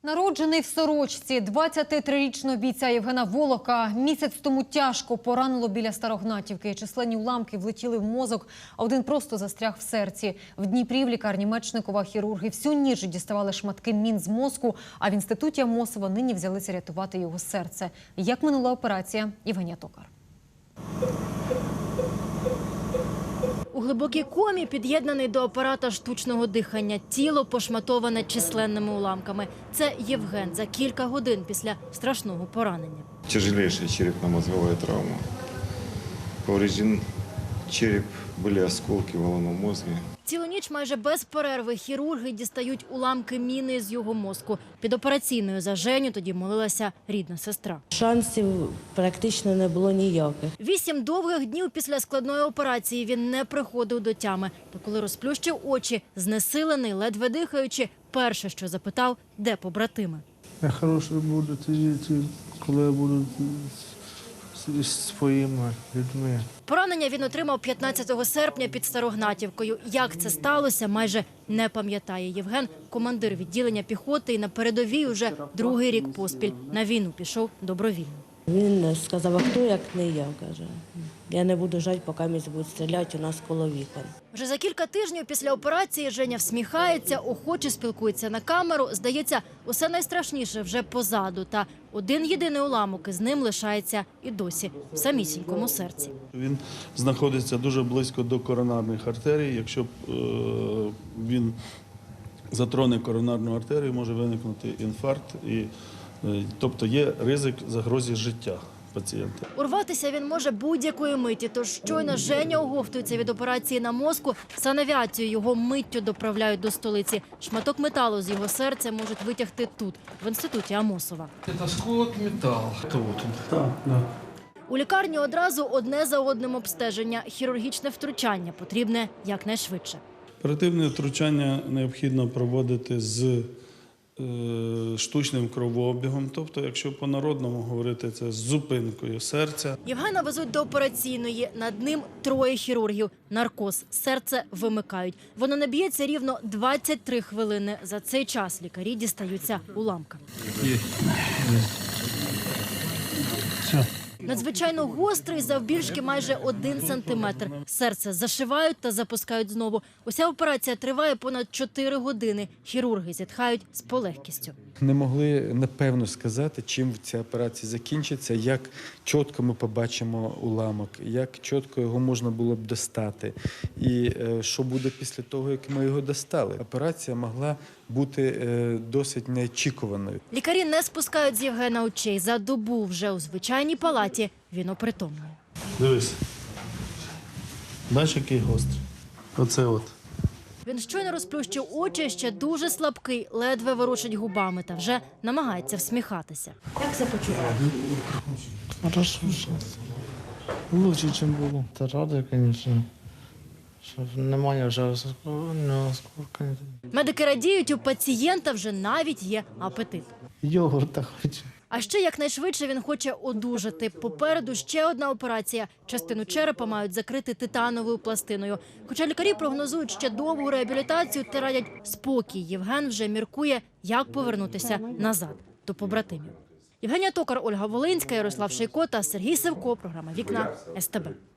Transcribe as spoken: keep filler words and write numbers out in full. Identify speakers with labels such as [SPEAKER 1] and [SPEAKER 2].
[SPEAKER 1] Народжений в сорочці, двадцятитрирічного бійця Євгена Волока місяць тому тяжко поранило біля Старогнатівки. Численні уламки влетіли в мозок, а один просто застряг в серці. В Дніпрі в лікарні Мечникова хірурги всю ніч діставали шматки мін з мозку, а в інституті Амосова нині взялися рятувати його серце. Як минула операція? Євгенія Токар.
[SPEAKER 2] У глибокій комі, під'єднаний до апарата штучного дихання, тіло пошматоване численними уламками. Це Євген за кілька годин після страшного поранення.
[SPEAKER 3] Тяжелейшая черепно-мозговая травма. Поврежден череп, были осколки в головном мозге.
[SPEAKER 2] Цілу ніч майже без перерви хірурги дістають уламки міни з його мозку. Під операційною за Женю тоді молилася рідна сестра.
[SPEAKER 4] Шансів практично не було ніяких.
[SPEAKER 2] Вісім довгих днів після складної операції він не приходив до тями. Та коли розплющив очі, знесилений, ледве дихаючи, перше, що запитав, де побратими.
[SPEAKER 5] Я хороший буду тоді, коли я буду зі своїми людьми.
[SPEAKER 2] Поранення він отримав п'ятнадцятого серпня під Старогнатівкою. Як це сталося, майже не пам'ятає Євген. Командир відділення піхоти і на передовій уже другий рік поспіль. На війну пішов добровільно.
[SPEAKER 4] Він сказав, а хто як не я, каже. Я не буду жати, поки мені будуть стріляти у нас коло вікон.
[SPEAKER 2] Вже за кілька тижнів після операції Женя всміхається, охоче спілкується на камеру. Здається, усе найстрашніше вже позаду. Та один єдиний уламок із ним лишається і досі в самісінькому серці.
[SPEAKER 5] Він знаходиться дуже близько до коронарних артерій. Якщо е, він затроне коронарну артерію, може виникнути інфаркт. І, е, тобто є ризик загрози життя пацієнта.
[SPEAKER 2] Урватися він може будь-якої миті, тож щойно Женя оговтується від операції на мозку, санавіацію його миттю доправляють до столиці. Шматок металу з його серця можуть витягти тут, в інституті Амосова.
[SPEAKER 6] Це осколок металу. Це от він.
[SPEAKER 5] Так, так.
[SPEAKER 2] У лікарні одразу одне за одним обстеження. Хірургічне втручання потрібне якнайшвидше.
[SPEAKER 5] Оперативне втручання необхідно проводити з е, штучним кровообігом, тобто, якщо по-народному говорити, це з зупинкою серця.
[SPEAKER 2] Євгена везуть до операційної. Над ним троє хірургів. Наркоз. Серце вимикають. Воно не б'ється рівно двадцять три хвилини. За цей час лікарі дістаються уламками.
[SPEAKER 5] Все.
[SPEAKER 2] Надзвичайно гострий, завбільшки майже один сантиметр. Серце зашивають та запускають знову. Уся операція триває понад чотири години. Хірурги зітхають з полегкістю.
[SPEAKER 7] Не могли напевно сказати, чим ця операція закінчиться, як чітко ми побачимо уламок, як чітко його можна було б достати і е, що буде після того, як ми його достали. Операція могла бути е, досить неочікуваною.
[SPEAKER 2] Лікарі не спускають з Євгена очей. За добу вже у звичайній палаті він опритомнює.
[SPEAKER 5] Дивись. Бачиш, який гострий? Оце от.
[SPEAKER 2] Він щойно розплющив очі, ще дуже слабкий, ледве ворушить губами та вже намагається всміхатися. Як себе почуває?
[SPEAKER 5] Хорошо. Лучше, ніж було. Та радий, звісно. Що немає вже осколка.
[SPEAKER 2] Медики радіють, у пацієнта вже навіть є апетит.
[SPEAKER 5] Йогурта хочу.
[SPEAKER 2] А ще якнайшвидше він хоче одужати. Попереду ще одна операція. Частину черепа мають закрити титановою пластиною. Хоча лікарі прогнозують ще довгу реабілітацію та радять спокій. Євген вже міркує, як повернутися назад до побратимів. Євгенія Токар, Ольга Волинська, Ярослав Шейко та Сергій Севко. Програма «Вікна» ес те бе.